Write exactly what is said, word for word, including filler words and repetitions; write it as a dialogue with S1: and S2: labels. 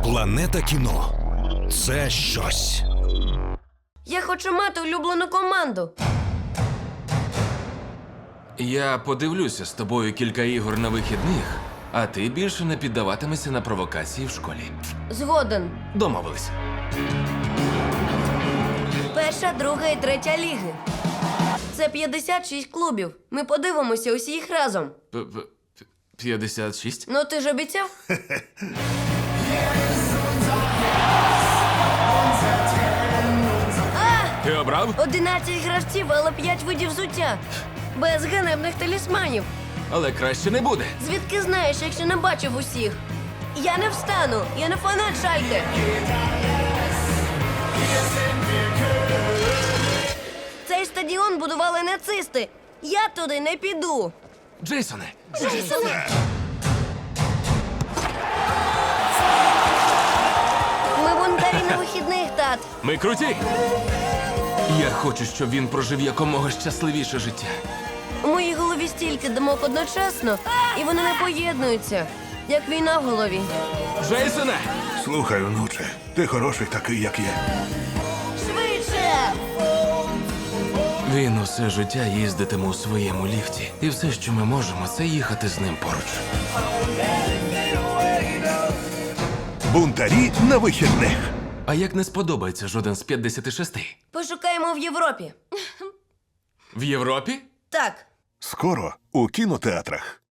S1: Планета кіно – це щось.
S2: Я хочу мати улюблену команду.
S3: Я подивлюся з тобою кілька ігор на вихідних, а ти більше не піддаватимешся на провокації в школі.
S2: Згоден.
S3: Домовились.
S2: Перша, друга і третя ліги. Це п'ятдесят шість клубів. Ми подивимося усі їх разом.
S3: П- п- п- п'ятдесят шість?
S2: Ну, ти ж обіцяв?
S3: Ти обрав?
S2: одинадцять гравців, але п'ять видів взуття. Без ганебних талісманів.
S3: Але краще не буде.
S2: Звідки знаєш, якщо не бачив усіх? Я не встану, я не фанат Шальке. Цей стадіон будували нацисти. Я туди не піду.
S3: Джейсоне,
S2: Ми бунтарі на вихідних, тат.
S3: ми круті! Я хочу, щоб він прожив якомога щасливіше життя.
S2: У моїй голові стільки думок одночасно, і вони не поєднуються, як війна в голові.
S3: Джейсоне!
S4: Слухай, онуче, ти хороший такий, як є.
S2: Швидше!
S3: Він усе життя їздитиме у своєму ліфті. І все, що ми можемо, це їхати з ним поруч.
S4: Бунтарі на вихідних.
S3: А як не сподобається жоден з п'ятдесят шести?
S2: Пошукаємо в Європі.
S3: В Європі?
S2: Так.
S4: Скоро у кінотеатрах.